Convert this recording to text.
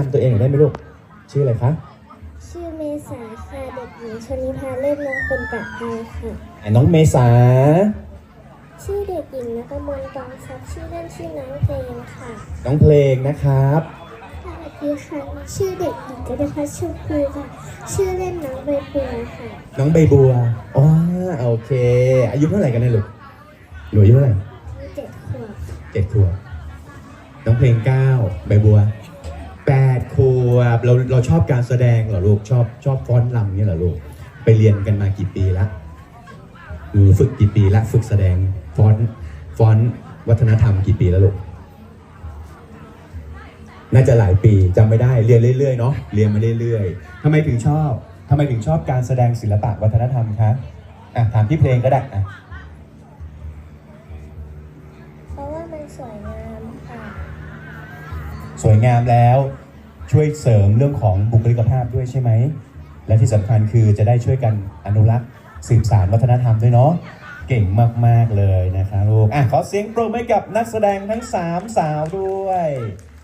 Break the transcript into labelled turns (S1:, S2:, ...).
S1: ำตัวเองหน่อยได้ไหมลูกชื่ออะไรคะ
S2: ชื่อเมษาค่ะเด็กหญิงชนิภาเลิศน้องเป็นประภัยค่ะ
S1: น้องเมษา
S2: ชื่อเด็กหญิงณกมลกองทรัพย์ชื่อเล่นชื่อน้องเพลงค่ะ
S1: น้องเพลงนะครับ
S2: สวัสดีค่ะชื่อเด็กหญิงกนพัชชมพูค่ะชื่อเล่นน้องใบบัวค่ะ
S1: น้องใบบัวอ๋อโอเคอายุเท่าไหร่กันเนี่ยลูกหนูอายุเท่าไหร่
S2: มี7 ขวบ
S1: 7 ขวบน้องเพลง9ใบบัว8 ขวบเราชอบการแสดงเหรอลูกชอบฟ้อนรำเนี่ยเหรอลูกไปเรียนกันมากี่ปีละฝึกกี่ปีละฝึกแสดงฟ้อนวัฒนธรรมกี่ปีแล้วลูกน่าจะหลายปีจำไม่ได้เรียนเรื่อยๆเนาะเรียนมาเรื่อยๆทำไมถึงชอบการแสดงศิลปะวัฒนธรรมคะถามที่เพลงก็ได้
S2: เพราะว่ามันสวยงามค่ะ
S1: สวยงามแล้วช่วยเสริมเรื่องของบุคลิกภาพด้วยใช่ไหมและที่สำคัญคือจะได้ช่วยกันอนุรักษ์สืบสานวัฒนธรรมด้วยเนาะเก่งมากๆเลยนะคะลูกขอเสียงปรบมือให้กับนักแสดงทั้ง3 สาวด้วย